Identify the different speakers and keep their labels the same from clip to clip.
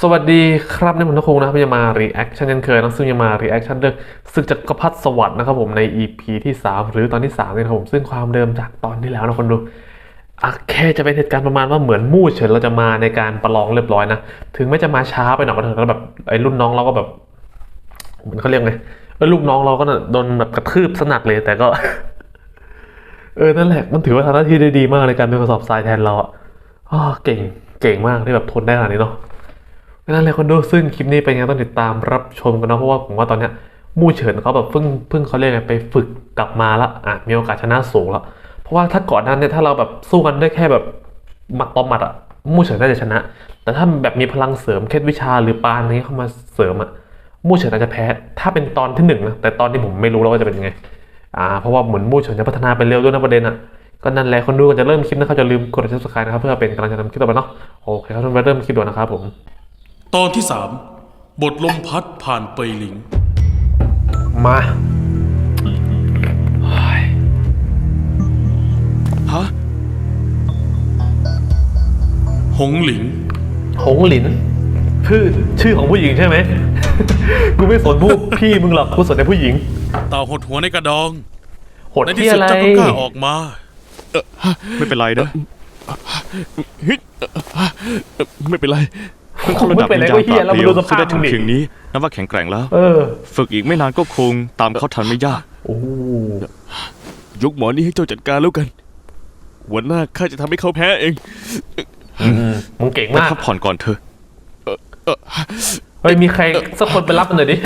Speaker 1: สวัสดีครับนี่ผมนักคงนะครับจะมา reaction เช่นเคยนะซึ่งจะมา reaction เรื่องศึกจักรพรรดิสวรรค์นะครับผมใน EP ที่3หรือตอนที่3เนี่ยครับผมซึ่งความเดิมจากตอนที่แล้วนะคนดูแค่จะเป็นเหตุการณ์ประมาณว่าเหมือนมู่เฉินเราจะมาในการประลองเรียบร้อยนะถึงแม้จะมาช้าไปหน่อยก็เถอะแล้วแบบไอ้รุ่นน้องเราก็แบบเหมือนเขาเรียกไงลูกน้องเราก็โดนแบบกระทืบสนักเลยแต่ก็ นั่นแหละมันถือว่าทำหน้าที่ได้ดีมากในการเป็นกระสอบทรายแทนเราเก่งเก่งมากที่แบบทนได้ขนาดนี้เนาะนั่นแหละคนดูซึ่งคลิปนี้เป็นยังไงต้องติดตามรับชมกันนะเพราะว่าผมว่าตอนเนี้ยมู่เฉินเขาแบบเพิ่งเขาเรียกไงไปฝึกกลับมาแล้วมีโอกาสชนะสูงแล้วเพราะว่าถ้าก่อนนั้นเนี่ยถ้าเราแบบสู้กันได้แค่แบบหมัดต่อหมัดมู่เฉินน่าจะชนะแต่ถ้าแบบมีพลังเสริมเคล็ดวิชาหรือปานนี้เข้ามาเสริมมู่เฉินอาจจะแพ้ถ้าเป็นตอนที่1นะแต่ตอนที่ผมไม่รู้แล้วว่าจะเป็นยังไงเพราะว่าเหมือนมู่เฉินจะพัฒนาไปเร็วด้วยนะประเด็นก็นั่นแหละคนดูก่อนจะเริ่มคลิปนะครับอย่าลืมกด subscribe นะครับเพื่อเป็นกำลังใจทำคลิปต่อไปเนาะโอเคครับทุกคนไปเริ่มคลิปด่วนนะครับผม
Speaker 2: ตอนที่บทลมพัดผ่านเปยหลิง
Speaker 1: มา
Speaker 2: ฮะหงหลิน
Speaker 1: หงหลินชื่อของผู้หญิงใช่ไหม กูไม่สนพี่มึงหรอกกูสนแต่ผู้หญิง
Speaker 2: เต่าหดหัวในกระดอง
Speaker 1: หดที่อะไร
Speaker 2: ในที่สุดเจ้าก็กล้าออกมา
Speaker 3: ไม่เป็นไรนะไม่เป็นไรเพิ่งเข้าระดับวิญญาณปราบเปรียวซึ่งได้ถึงเพียงนี้นับว่าแข็งแกร่งแล้วฝึกอีกไม่นานก็คงตามเขาทันไม่ยากยกหมอนี่ให้เจ้าจัดการแล้วกันหัวหน้าข้าจะทำให้เขาแพ้เอง
Speaker 1: มึงเก่งมาก
Speaker 3: พักผ่อนก่อนเถอะ
Speaker 1: เฮ้ยมีใครสักคนไปรับมันหน่อยดิ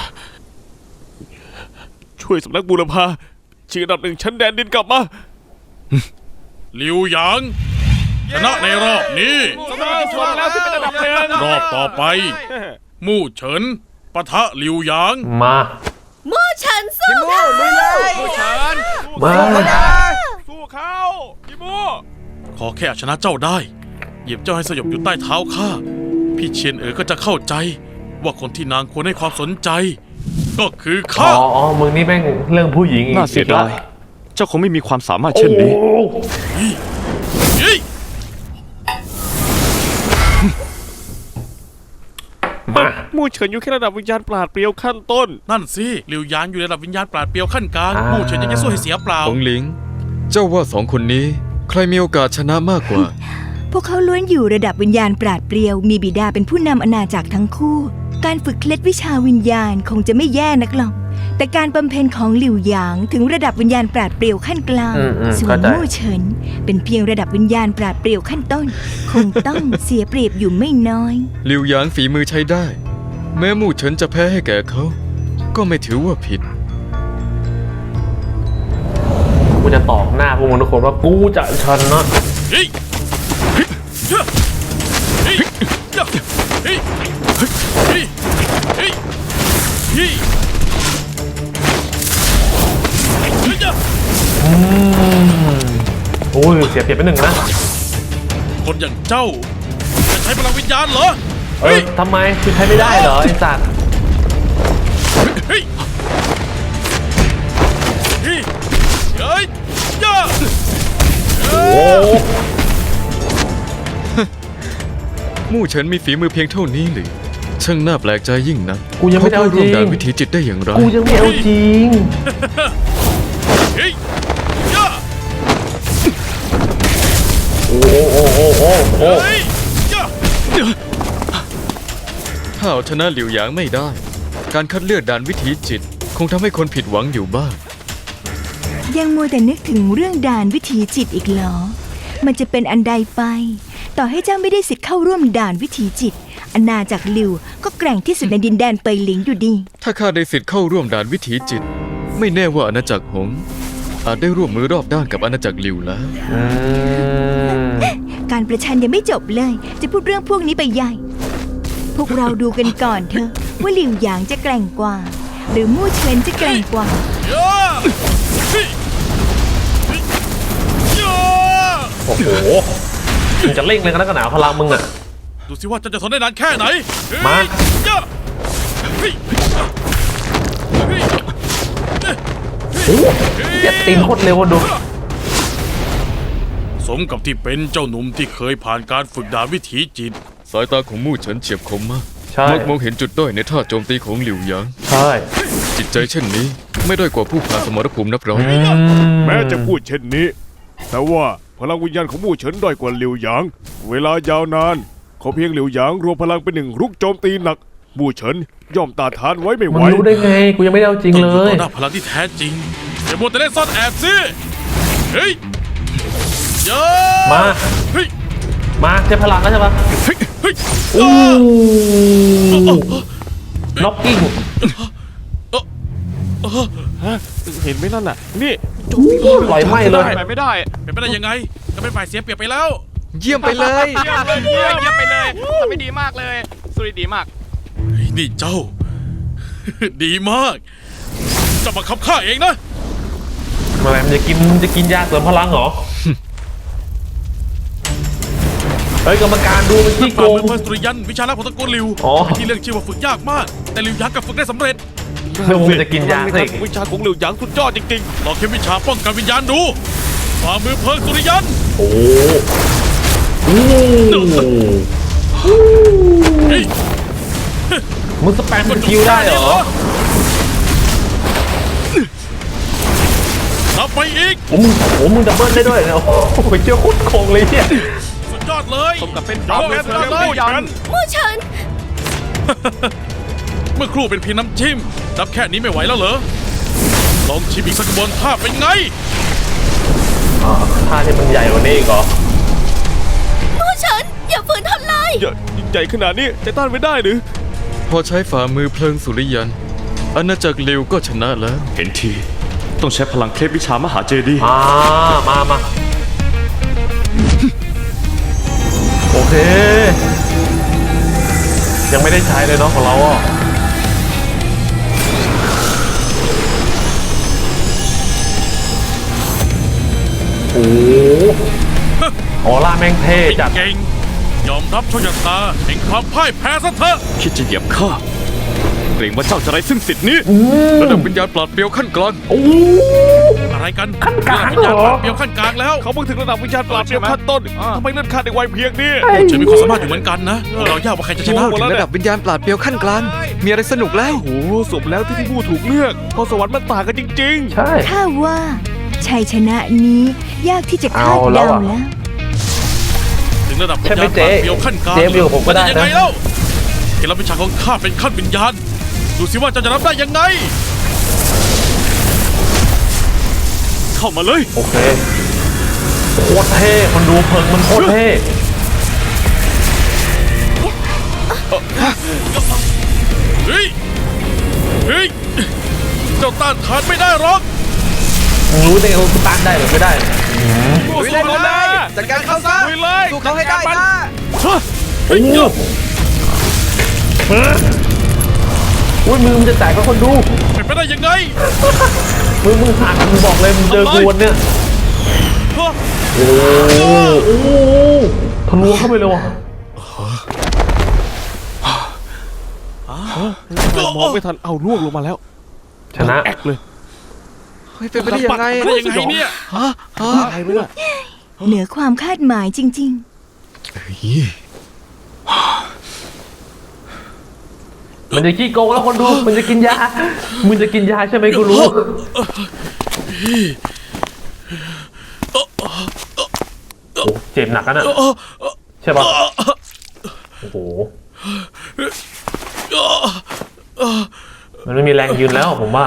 Speaker 3: ช่วยสำนักบูรพาชิงอันดับ1ชั้นแดนดินกลับมา
Speaker 2: หลิวหยางชนะในรอบนี้รอบต่อไปมู่เฉินปะทะหลิวหยาง
Speaker 1: มา
Speaker 4: มู่เฉินสู้เขา
Speaker 3: มู่เฉิน
Speaker 1: มา
Speaker 3: สู้เขาพี่มู่
Speaker 2: ขอแค่ชนะเจ้าได้เหยียบเจ้าให้สยบอยู่ใต้เท้าข้าพี่เชียนก็จะเข้าใจว่าคนที่นางควรให้ความสนใจก็คือข้า
Speaker 1: มึงนี่แม่งเรื่องผู้หญิง
Speaker 3: น่าเสียดายเจ้าคงไม่มีความสามารถเช่นนี้มู่เฉินอยู่แค่ระดับวิญญาณปราดเปรียวขั้นต้น
Speaker 2: นั่นสิหลิวหยางอยู่ในระดับวิญญาณปราดเปรียวขั้นกลางมู่เฉินยังจะสู้ให้เสียเปล่า
Speaker 5: หงหลิงเจ้าว่า2 คนนี้ใครมีโอกาสชนะมากกว่า
Speaker 4: พวกเขาล้วนอยู่ระดับวิญญาณปราดเปรียวมีบิดาเป็นผู้นำอาณาจักรทั้งคู่การฝึกเคล็ดวิชาวิญญาณคงจะไม่แย่นักหรอกแต่การบำเพ็ญของหลิวหยางถึงระดับวิญญาณปราดเปรียวขั้นกลางส่วนมู่เฉินเป็นเพียงระดับวิญญาณปราดเปรียวขั้นต้นคงต้องเสียเปรียบอยู่ไม่น้อย
Speaker 5: หลิวหยางฝีมือใช้ได้แม้มู่เฉินจะแพ้ให้แก่เขาก็ไม่ถือว่าผิด
Speaker 1: กูจะตอกหน้าพวกมึงทุกคนว่ากูจะชนะโอ้ยเสียเปรียบไป1นะ
Speaker 2: คนอย่างเจ้าจะใช้พลังวิญญาณเหรอ
Speaker 1: ทำไมคือใช้ไม่ได้เหรอไอ้สัตว์
Speaker 5: มู่เฉินมีฝีมือเพียงเท่านี้หรือช่างน่าแปลกใจยิ่งนัก
Speaker 1: กูยังไม่เอาจริง
Speaker 5: ร่วมด่านวิถีจิตได้อย่างไร
Speaker 1: กูยังไม่เอาจริงโอ้
Speaker 5: ถ้าเอาชนะหลิวหยางไม่ได้การคัดเลือกด่านวิถีจิตคงทำให้คนผิดหวังอยู่บ้าง
Speaker 4: ยังมัวแต่นึกถึงเรื่องด่านวิถีจิตอีกเหรอมันจะเป็นอันใดไปต่อให้เจ้าไม่ได้สิทธิ์เข้าร่วมด่านวิถีจิตอาณาจักรหลิวก็แกร่งที่สุดในดินแดนเปยหลิงอยู่ดี
Speaker 5: ถ้าข้าได้สิทธิ์เข้าร่วมด่านวิถีจิตไม่แน่ว่าอาณาจักรหงอาจได้ร่วมมือรอบด้านกับอาณาจักรหลิวแล้ว
Speaker 4: การประชันยังไม่จบเลยจะพูดเรื่องพวกนี้ไปใหญ่พวกเราดูกันก่อนเถอะว่าหลิวหยางจะแกร่งกว่าหรือมู่เฉินจะแกร่งกว่า
Speaker 1: โอ้โหมึงจะเร่งเลยกันนักหนาพลังมึง
Speaker 2: ดูสิว่าจะทนได้นานแค่ไหน
Speaker 1: มาเจ็บตีนโคตรเร็วดู
Speaker 2: สมกับที่เป็นเจ้าหนุ่มที่เคยผ่านการฝึกดาบวิถีจิต
Speaker 5: สายตาของมู่เฉินเฉียบคมมาก
Speaker 1: ใช่
Speaker 5: มักมองเห็นจุดด้อยในท่าโจมตีของหลิวหยาง
Speaker 1: ใช่
Speaker 5: จิตใจเช่นนี้ไม่ด้อยกว่าผู้ผ่านสมรภูมินับร้อย
Speaker 6: แม้จะพูดเช่นนี้ แต่ว่าพลังวิญญาณของมู่เฉินด้อยกว่าหลิวหยาง เวลายาวนานขอเพียงหลิวหยางรวมพลังเป็นหนึ่งรุกโจมตีหนักมู่เฉินย่อมต้านทานไว้ไม่ไห
Speaker 1: มั
Speaker 6: วน
Speaker 1: รู้ได้ไงกูยังไม่ได้เอาจริง
Speaker 2: ต้อง
Speaker 1: เล
Speaker 2: อยู่ต่อย หน้าพลังที่แท้จริงอย่ามัวแต่เล่นซ่อนแอบสิเฮ้ยเยอะ
Speaker 1: มา
Speaker 2: เฮ้ย
Speaker 1: มาใช้พลังแล้วใช่ปะ
Speaker 2: เฮ้ยเฮ้ย
Speaker 1: อู้ล็อกกิ้ง
Speaker 6: เห็นไหมนั่นน่ะ นี่
Speaker 1: ปล่อยไหม้เลย
Speaker 6: ไปไม่ได้
Speaker 2: เป็นไปได้ยังไงก็เป็นฝ่ายเสียเปรียบไปแล้ว
Speaker 5: เยี่ยมไปเลย
Speaker 7: เยี่ยมไปเลยทำไม่ดีมากเลยสุริดีมาก
Speaker 2: เฮ้ยนี่เจ้า ดีมากเจะมาขับข้าเองนะ
Speaker 1: อะไรมันจะกินยาเสริมพลังเหรอ เฮ้ยกรรมการดูมันขี้โก
Speaker 2: ฝ่าง มือเพิ่นสุริยันวิชาลับของตระกูลหลิว
Speaker 1: อ๋อ
Speaker 2: เป็นที่เรื่องชื่อว่าฝึกยากมาก แต่หลิวยักษ์กับฝึกได้สำเร็จ
Speaker 1: เรื่องมันจะกินยาสิ
Speaker 6: วิชาของหลิวหยางสุดยอดจริง
Speaker 2: ลองเข็มวิชาป้องกันวิญญาณดูฝ่ามือเพิ่นสุริยัน
Speaker 1: โอ้โห
Speaker 2: เฮ้ย
Speaker 1: มึงสแปมสกิลได้เหรอ
Speaker 2: รับไปอีก
Speaker 1: โอ้มึงดับเบิลได้ด้วยเนี่ยโอ้โหเจ้าโคตรโกงเลยเนี่ย
Speaker 2: สุดยอดเลย
Speaker 7: สมกับเป็น
Speaker 2: ยอมแพ้สุดยอดเลย
Speaker 4: มู่เฉิน
Speaker 2: เมื่อครู่เป็นเพียงน้ำจิ้มรับแค่นี้ไม่ไหวแล้วเหรอ ลองชิมอีกสักกระบวนท่าเป็นไง
Speaker 1: ท่าที่มันใหญ่กว่านี้อีกเหรอ
Speaker 4: มู่เฉินอย่าฝืนทำลาย
Speaker 6: ๆใหญ่ขนาดนี้จะต้านไม่ได้หรือ
Speaker 5: พอใช้ฝ่ามือเพลิงสุริยันอาณาจักรหลิวก็ชนะแล้ว
Speaker 3: เห็นทีต้องใช้พลังเคล็ดวิชามหาเจดีย์
Speaker 1: มาโอเค ยังไม่ได้ใช้เลยเนาะของเราอ่ะโอ้โหออร่าแม่งเท่จัด
Speaker 2: เก่ง ยอมรับโชคชะตาแห่งความพ่ายแพ้ซะเถอะ
Speaker 3: คิดจะเหยียบข้าเกรงว่าเจ้าจะไร้ซึ่งสิทธินี้
Speaker 5: ระดับวิญญาณปราดเปรียวขั้นกลาง
Speaker 1: โอ้โห
Speaker 2: อะไรกัน
Speaker 1: ขั้นกลาง
Speaker 2: วิญญาณ
Speaker 1: เหรอ
Speaker 2: เปรียวขั้นกลางแล้ว
Speaker 6: เขาเพิ่งถึงระดับวิชาปราบเปรียวขั้นต้นทำไมเลื่อนขั้นในวัยเพียงนี้
Speaker 2: เฉยมีความสามารถอยู่เหมือนกันนะเรายากว่าใครจะชนะ
Speaker 6: หมดแล้ว
Speaker 5: ระดับวิญญาณปราดเปรียวขั้นกลาง มีอะไรสนุกแล้ว
Speaker 6: โอ้โหสมแล้วที่พี่ผู้ถูกเลือกพอสวรรค์มันต่างกันจริง
Speaker 1: ใช่
Speaker 4: ข้าว่าชัยชนะนี้ยากที่จะคาด
Speaker 1: เอาแล้
Speaker 4: เดาว
Speaker 1: อะ
Speaker 4: แล้ว
Speaker 2: ถึงระดับวิ
Speaker 1: ใช่
Speaker 2: ญ
Speaker 1: ไหม
Speaker 2: ญาณ
Speaker 1: เจ๊
Speaker 2: ปราดเปรียวขั้นกลาง
Speaker 1: เจ๊อยู่กับผมก็ได้นะ
Speaker 2: จะยังไงเล่าเกณฑ์รับวิชาของข้าเป็นขั้นวิญญาณ ดูสิว่าเจ้าจะรับได้ยังไง
Speaker 3: เข้ามาเลย
Speaker 1: โอเคโคตรเท่คนดูเพิงมันโคตรเท่
Speaker 2: เฮ้ย เฮ้ย เจ้าต้านทานไม่ได้หรอก
Speaker 1: มึงรู้ได้ไงว่ากูต้านได้หรือไม่ได้
Speaker 6: ๆ
Speaker 7: ลุยเลยจัดการเข้าซะ
Speaker 6: ลุยเลย
Speaker 7: สู้เขาให้ได้นะ
Speaker 1: โอ้โหอุ้ยมือมันจะแตกก็คนดู
Speaker 2: เป็นไปได้ยังไง
Speaker 1: มึงหักมึงบอกเลยมึงเจอกูวันเนี่ย
Speaker 2: ฮะ
Speaker 1: โอ้โหทะลุเข้าไปเลยว่ะ
Speaker 6: มองไม่ทันเอาล่วงลงมาแล้ว
Speaker 1: ชนะ
Speaker 6: แอกเลย
Speaker 5: เฮ้ยเป็นไปได้ยังไง
Speaker 2: เป็นไปได้ยังไงเนี่ย
Speaker 6: ใครไม่ล่ะ
Speaker 4: เหนือความคาดหมายจริง
Speaker 1: มันจะขี้โกงแล้วคนดู มันจะกินยา มึงจะกินยาใช่ไหมกูรู้ โอ้เจ็บหนักนะน่ะใช่ปะโอ้โห มันไม่มีแรงยืนแล้วผมว่า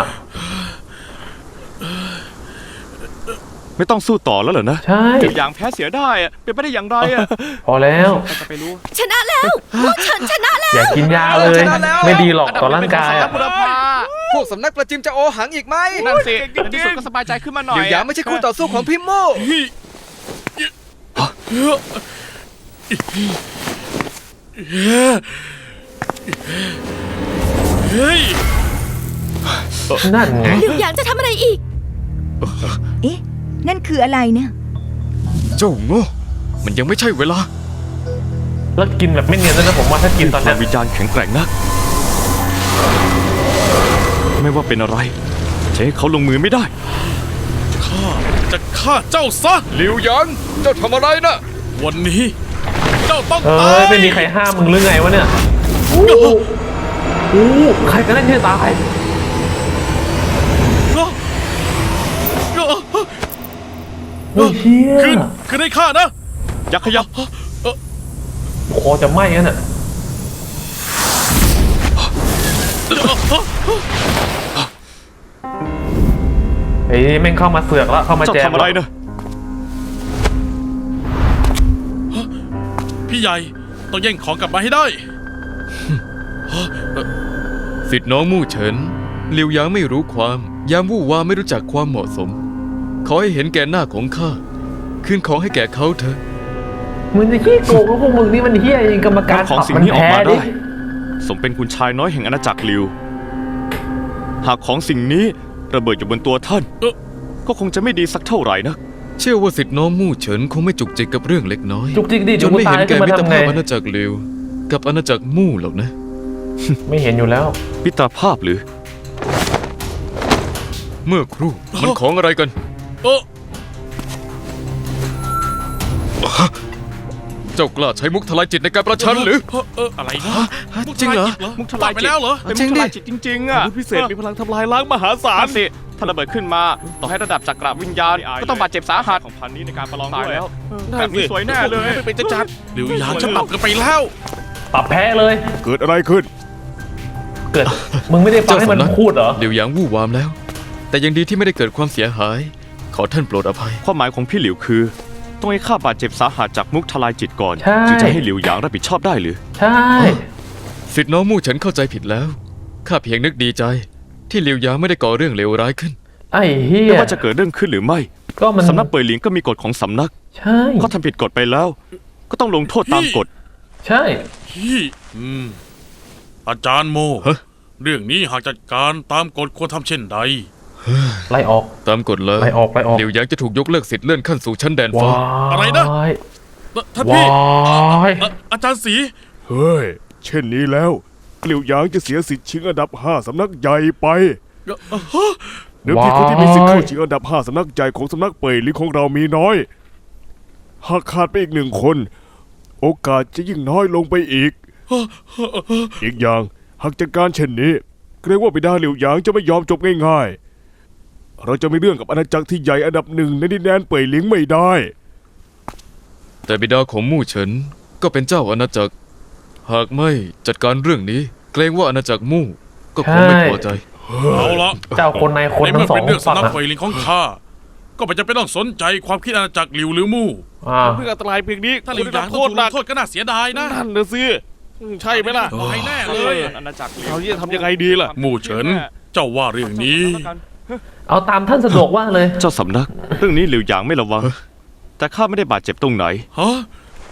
Speaker 3: ไม่ต้องสู้ต่อแล้วเหรอนะ
Speaker 1: ใช่
Speaker 6: อย่างแพ้เสียได้อะเป็นไปได้อย่างไรอะ
Speaker 1: พอแล้ว
Speaker 6: จะไปรู้
Speaker 4: ๆ ชนะแล้วมู่เฉินชนะแล้ว
Speaker 1: อย่ากินยาเลย ไม่ดีหรอกต่อร่างกาย
Speaker 7: อันดั
Speaker 1: อะ
Speaker 7: บเป็นของสำนักบุรพา
Speaker 5: พวกสำนักประจิมจะโอหังอีกไหม
Speaker 7: นั่นสิในที่สุดก็สบายใจขึ้นมาหน่อ
Speaker 5: ห
Speaker 7: ย
Speaker 5: ลิวหยางไม่ใช่คู่ต่อสู้ของพี่โม่
Speaker 2: เฮ้ย
Speaker 1: นั่นไง
Speaker 4: หลิวหยางจะทำอะไรอีก เอ๊ะ นั่นคืออะไรเนี่ย
Speaker 5: เจ้าโง่ มันยังไม่ใช่เวลา
Speaker 1: แล้วกินแบบไม่เนียนด้วยนะผมว่าถ้ากินตอน
Speaker 3: พ
Speaker 1: เนี้
Speaker 3: ลั
Speaker 1: ย
Speaker 3: งวิญญาณแข็งแกร่งนัก ไม่ว่าเป็นอะไรจะให้เขาลงมือไม่ได้
Speaker 2: ข้าจะฆ่าเจ้าซะ
Speaker 5: หลิวหยาง เจ้าทำอะไรนะ
Speaker 2: วันนี้เจ้าต้อง
Speaker 1: เอ้
Speaker 2: ตาย
Speaker 1: ยไม่มีใครห้ามมึงหรือไงวะเนี่ยอู้ใครกันแน่ที่จะตายเฮ้ยเชี่ย
Speaker 2: ขึ้นให้ข้านะ
Speaker 3: อย่าขยับ
Speaker 1: คอจะไหม้กันน่ะเฮ้ยแม่งเข้ามาเสือกแล้วเข้ามา
Speaker 3: เจ้า
Speaker 1: แจม
Speaker 3: ทำอะไรนะ
Speaker 2: พี่ใหญ่ต้องแย่งของกลับมาให้ได้
Speaker 5: สิทธิ์น้องมู่เฉินหลิวหยางไม่รู้ความยามวู่วามไม่รู้จักความเหมาะสม ขอให้เห็นแก่หน้าของข้าคืนของให้แก่เขาเถอะ
Speaker 1: มึงจะขี้โกงแล้วพวกมึงนี่มันเฮี้ยจริงกรรมการ
Speaker 3: นำของ
Speaker 1: ปรับ
Speaker 3: สิ่ง
Speaker 1: มัน
Speaker 3: นี้ออก
Speaker 1: แพ้
Speaker 3: มา
Speaker 1: ดิ
Speaker 3: ได้ สมเป็นคุณชายน้อยแห่งอาณาจักรลิว หากของสิ่งนี้ระเบิดอยู่บนตัวท่าน ก็คงจะไม่ดีสักเท่าไหร่นะ
Speaker 5: เชื่อว่าสิทธิ์น้องมู่เฉินคงไม่จุกจิกกับเรื่องเล็กน้อย
Speaker 1: จุกจิกดิ
Speaker 5: จ
Speaker 1: จุ
Speaker 5: น
Speaker 1: ก
Speaker 5: ไม่
Speaker 1: ตา
Speaker 5: เห็
Speaker 1: ย
Speaker 5: น
Speaker 1: ขึ้
Speaker 5: แก่
Speaker 1: นมา
Speaker 5: มิตร
Speaker 1: ทำไง
Speaker 5: ภาพอาณาจักรลิวกับอาณาจักรมู่หรอกนะ
Speaker 1: ไม่เห็นอยู่แล้ว
Speaker 3: มิตรภาพหรือ
Speaker 5: เมื่อครู่มันของอะไรกัน
Speaker 2: เออ
Speaker 5: เจ้ากล้าใช้มุกทลายจิตในการประชันหรือ
Speaker 2: อะไรนะ
Speaker 5: จริงเหรอ
Speaker 2: มุกทลายไปแล้วเหรอ
Speaker 3: เป็นมุกทลายจิตจริงๆอ่ะ
Speaker 6: พิเศษมีพลังทำลายล้างมหาศาล
Speaker 7: สิถ้าระเบิดขึ้นมาต่อให้ระดับจักรวิญญาณก็ต้องบาดเจ็บสาหัส
Speaker 3: ของพันนี้ในการประลอง
Speaker 7: ตาย
Speaker 3: ด้วย
Speaker 7: แล้ว
Speaker 3: แบบนี้สวยแน่เลย
Speaker 7: ไม่เป็นจะจัด
Speaker 2: หลิวหยางฉันปรับกันไปแล้ว
Speaker 1: ปรับแพ้เลย
Speaker 6: เกิดอะไรขึ้น
Speaker 1: เกิด มึงไม่ได้ฟังให้มัน
Speaker 5: เจ้าสำนัก
Speaker 1: พูดเหรอ
Speaker 5: หลิวหยางวู่วามแล้ว แต่ยังดีที่ไม่ได้เกิดความเสียหาย ขอท่านโปรดอภัย
Speaker 3: ความหมายของพี่หลิวคือ ต้องให้ข้าบาดเจ็บสาหัสจากมุกทลายจิตก่อน
Speaker 1: ใช่
Speaker 3: จึงจะให้หลิวหยางรับผิดชอบได้หรือ
Speaker 1: ใช่
Speaker 5: สิทธิ์น้องมู่เฉินเข้าใจผิดแล้ว ข้าเพียงนึกดีใจ ที่หลิวหยางไม่ได้ก่อเรื่องเลวร้ายขึ้น
Speaker 1: ไอ้เฮีย
Speaker 3: ไม่ว่าจะเกิดเรื่องขึ้นหรือไม่
Speaker 1: ก็มัน
Speaker 3: สำนักเป่ยหลิงก็มีกฎของสำนัก
Speaker 1: ใช่
Speaker 3: เขาทำผิดกฎไปแล้ว ก็ต้องลงโทษตามกฎ
Speaker 1: ใช่
Speaker 2: พี่อาจารย์โม
Speaker 5: ฮะ
Speaker 2: เรื่องนี้หากจัดการตามกฎควรทำเช่นใด
Speaker 1: ไล่ออก
Speaker 5: ตามกฎเลย
Speaker 1: ไล่ออกไล่ออก
Speaker 5: หลิวหยางจะถูกยกเลิกสิทธิ์เลื่อนขั้นสู่ชั้นแดนฟ้า
Speaker 1: ว้าย
Speaker 2: อะไรนะ ท่านพี่
Speaker 1: ว้าย
Speaker 2: อาจารย์สี
Speaker 6: เฮ้ย เช่นนี้แล้วหลิวหยางจะเสียสิทธิ์ชิงอันดับ 5 สำนักใหญ่ไปเดิมทีคนที่มีสิทธิ์เข้าชิงอันดับ 5 สำนักใหญ่ของสำนักเป่ยหลิงของเรามีน้อย หากขาดไปอีก1 คน โอกาสจะยิ่งน้อยลงไปอีก อีกอย่างหากจัดการเช่นนี้เกรงว่าบิดาหลิวหยางจะไม่ยอมจบง่ายๆ เราจะไม่เรื่องกับอาณาจักรที่ใหญ่อันดับ 1ในดินแดนเป่ยหลิงไม่ได้
Speaker 5: แต่บิดาของมู่เฉินก็เป็นเจ้าอาณาจักร หากไม่จัดการเรื่องนี้ เกรงว่าอาณาจักรมู่ก็คงไม่พอใจ
Speaker 2: เอาละ
Speaker 1: เจ้าคนในคน
Speaker 2: ใน
Speaker 1: ทั้
Speaker 2: เมื่อง
Speaker 1: สอ
Speaker 2: เป็
Speaker 1: ง
Speaker 2: นเรื่อง
Speaker 1: ฝั่ง
Speaker 2: สำนัก
Speaker 1: อะ
Speaker 2: ไฟลิงของข้า ก็ไม่จำเป็นต้องสนใจความคิดอาณาจักรหลิวหรือมู่
Speaker 1: อ่า
Speaker 6: เพื่ออันตรายเพียงนี้
Speaker 2: ถ้าหลิวหยาง
Speaker 6: โท
Speaker 2: ต้อง
Speaker 6: ษ
Speaker 2: ถูก
Speaker 6: ห
Speaker 2: ล
Speaker 6: นั
Speaker 2: ง
Speaker 6: ก
Speaker 2: โทษก็น่าเสียดายนะ
Speaker 6: นั่นนะสิใช่ไหมล่ะ
Speaker 2: ตายแน่เลย
Speaker 3: อาณาจักร
Speaker 6: เราจะทำยังไงดีล่ะ
Speaker 2: มู่เฉิน เจ้าว่าเรื่องนี้
Speaker 1: เอาตามท่านสะดวกว่าเลย
Speaker 3: เจ้าสำนัก เรื่องนี้หลิวหยางไม่ระวัง แต่ข้าไม่ได้บาดเจ็บตรงไหน
Speaker 2: ฮะ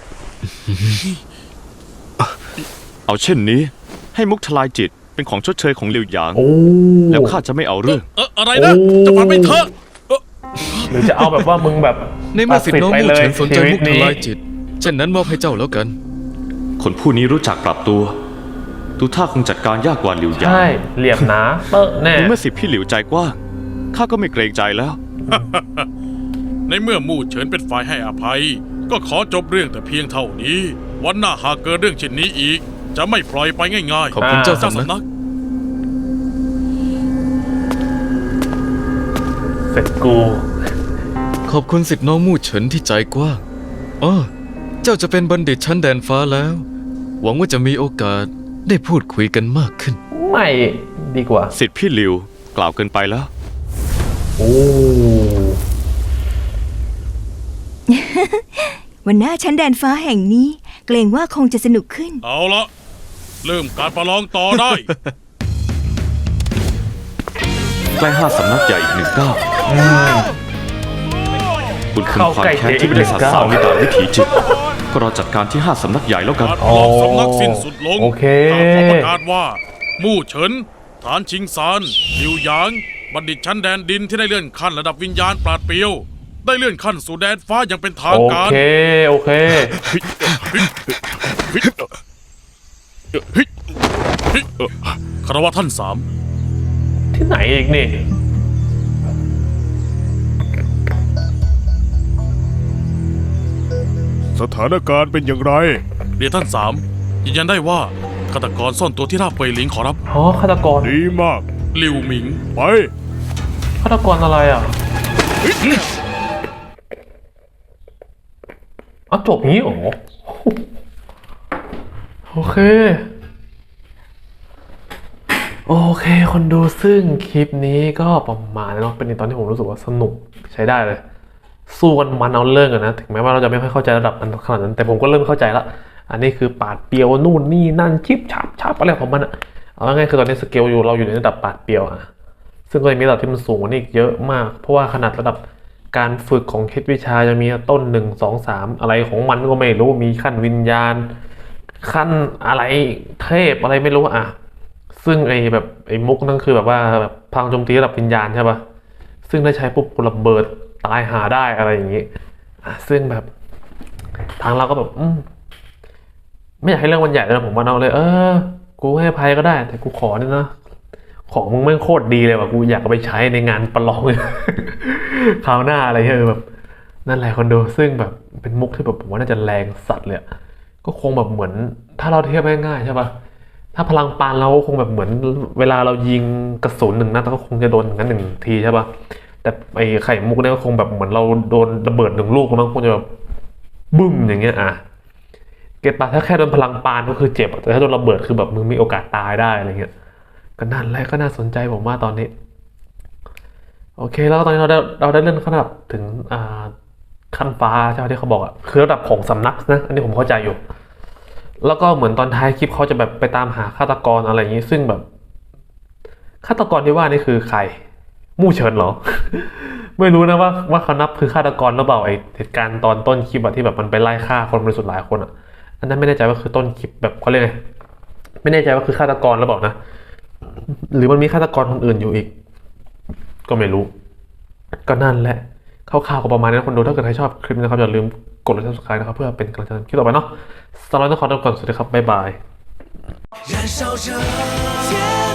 Speaker 3: เอาเช่นนี้ ให้มุกทลายจิตเป็นของชดเชยของหลิวหยาง
Speaker 1: โอ้
Speaker 3: แล้วข้าจะไม่เอาเรื่อง
Speaker 2: อะไรนะ จะฝันไปเถอะ
Speaker 1: หรือจะเอาแบบว่ามึงแบบ
Speaker 5: ในเมื่อสิทธิ์น้อง
Speaker 1: ตัด
Speaker 5: มู่
Speaker 1: ไป
Speaker 5: เฉินสนใจ
Speaker 1: ชีวิ
Speaker 5: มุ
Speaker 1: ต
Speaker 5: กท
Speaker 1: นี้
Speaker 5: ลายจิต เช่นนั้นมอบให้เจ้าแล้วกัน
Speaker 3: คนผู้นี้รู้จักปรับตัว ดูท่าคงจัดการยากกว่าหลิวหยาง
Speaker 1: ใช่ เหลี่ยมหนาเตอะแน่
Speaker 3: ในเมื่อสิทธิ์พี่หลิวใจกว้าง ข้าก็ไม่เกรงใจแล้ว
Speaker 2: ในเมื่อมู่เฉินเป็นฝ่ายให้อภัย ก็ขอจบเรื่องแต่เพียงเท่านี้ วันหน้าหากเกิดเรื่องเช่นนี้อีก จะไม่ปล่อยไปง่ายๆ
Speaker 5: ขอบคุณเจ้า
Speaker 2: เจ้า
Speaker 5: สำนัก
Speaker 2: สำนัก
Speaker 1: เสร็จกู
Speaker 5: ขอบคุณสิทธิ์น้องมู่เฉินที่ใจกว้างอ้อเจ้าจะเป็นบัณฑิตชั้นแดนฟ้าแล้ว หวังว่าจะมีโอกาสได้พูดคุยกันมากขึ้น
Speaker 1: ไม่ดีกว่า
Speaker 3: สิทธิ์พี่หลิวกล่าวเกินไปแล้ว
Speaker 1: โอ้
Speaker 4: วันหน้าชั้นแดนฟ้าแห่งนี้ เกรงว่าคงจะสนุกขึ้น
Speaker 2: เอาละเริ่มการประลองต่อได้
Speaker 3: ใกล้5 สำนักใหญ่อีก1 ก้าวคุณคืนความแค้นที่ไม่ได้สะสางในด่านวิถีจิต ก็รอจัดการที่ 5 สำนักใหญ่แล้วกัน
Speaker 2: การประลองสำนักสิ้นสุดลง
Speaker 1: โอเค
Speaker 2: ข้าขอประกาศว่า มู่เฉิน ฐานชิงซานหลิวหยาง บัณฑิตชั้นแดนดินที่ได้เลื่อนขั้นระดับวิญญาณปราดเปรียว ได้เลื่อนขั้นสู่แดนฟ้าอย่างเป็นทาง
Speaker 1: โอ
Speaker 2: การ
Speaker 1: เค โอเค
Speaker 2: คารวะท่านสาม
Speaker 1: ที่ไหนอีกนี่
Speaker 4: ฉ
Speaker 6: สถานการณ์เป็นอย่างไร
Speaker 2: เรียนท่านสามยืนยันได้ว่าฆาตกรซ่อนตัวที่ราบเปยหลิงขอรับ
Speaker 1: อ๋อฆาตกร
Speaker 6: ดีมาก
Speaker 2: หลิวหมิง
Speaker 6: ไป
Speaker 1: ฆาตกรอะไรอ่ะอ๋อจบงี้เหรอโอเคคนดูซึ่งคลิปนี้ก็ประมาณนี้เนาะเป็นตอนที่ผมรู้สึกว่าสนุกใช้ได้เลย สู้กันมันเอาเรื่องกันนะถึงแม้ว่าเราจะไม่ค่อยเข้าใจระดับมันขนาดนั้นแต่ผมก็เริ่มเข้าใจละอันนี้คือปาดเปรียวนู่นนี่นั่นชิบฉับอะไรของมันอะเอาง่ายๆคือตอนนี้สเกลอยู่เราอยู่ในระดับปาดเปรียวอะซึ่งก็จะมีระดับที่มันสูงกว่านี้อีกเยอะมากเพราะว่าขนาดระดับการฝึกของเคล็ดวิชาจะมีต้น1 2 3อะไรของมันก็ไม่รู้มีขั้นวิญญาณขั้นอะไรเทพอะไรไม่รู้อะซึ่งไอ้มุกนั่นคือแบบว่าแบบพลังโจมตีระดับวิญญาณใช่ปะซึ่งได้ใช้ปุ๊บกูระเบิดตายหาได้อะไรอย่างงี้ซึ่งแบบทางเราก็แบบไม่อยากให้เรื่องมันใหญ่เลยผมว่าเอาเลยกูให้อภัยก็ได้แต่กูขอเนี่ยนะของมึงไม่งโคตรดีเลยว่ะกูอยากเอาไปใช้ในงานประลองเลย คราวหน้าอะไรเงี้ยแบบนั่นแหละคนดูซึ่งแบบเป็นมุกที่แบบผมว่าน่าจะแรงสัตว์เลยก็คงแบบเหมือนถ้าเราเทียบง่ายๆใช่ปะถ้าพลังปานเราคงแบบเหมือนเวลาเรายิงกระสุน1 นัดก็คงจะโดนอย่างนั้น1 ทีใช่ปะแต่ไอ้ไข่มุกเนี่ยก็คงแบบเหมือนเราโดนระเบิด1 ลูกมันคงจะแบบบึ้มอย่างเงี้ยเก็ตปะถ้าแค่โดนพลังปานก็คือเจ็บแต่ถ้าโดนระเบิดคือแบบมึงมีโอกาสตายได้อะไรเงี้ยก็นั่นแหละก็น่าสนใจผมว่าตอนนี้โอเคแล้วตอนนี้เราได้เลื่อนขั้นระดับถึงขั้นฟ้าใช่ไหมที่เขาบอกคือระดับของสำนักนะอันนี้ผมเข้าใจอยู่แล้วก็เหมือนตอนท้ายคลิปเขาจะแบบไปตามหาฆาตกรอะไรอย่างนี้ซึ่งแบบฆาตกรที่ว่านี่คือใครมู่เฉินเหรอ ไม่รู้นะว่าเขานับคือฆาตกรหรือเปล่าไอเหตุการณ์ตอนต้นคลิปที่แบบมันไปไล่ฆ่าคนบริสุทธิ์หลายคนอันนั้นไม่แน่ใจว่าคือต้นคลิปแบบเขาเรียกไงไม่แน่ใจว่าคือฆาตกรหรือเปล่านะหรือมันมีฆาตกรคนอื่นอยู่อีกก็ไม่รู้ก็นั่นแหละคร่าวๆก็ประมาณนี้คนดูถ้าเกิดใครชอบคลิปนี้นะครับอย่าลืมกดไลค์ subscribe นะครับเพื่อเป็นกำลังใจคลิปต่อไปเนาะสำหรับวันนี้ขอตัวก่อนสวัสดีครับบ๊ายบาย
Speaker 8: 燃烧着。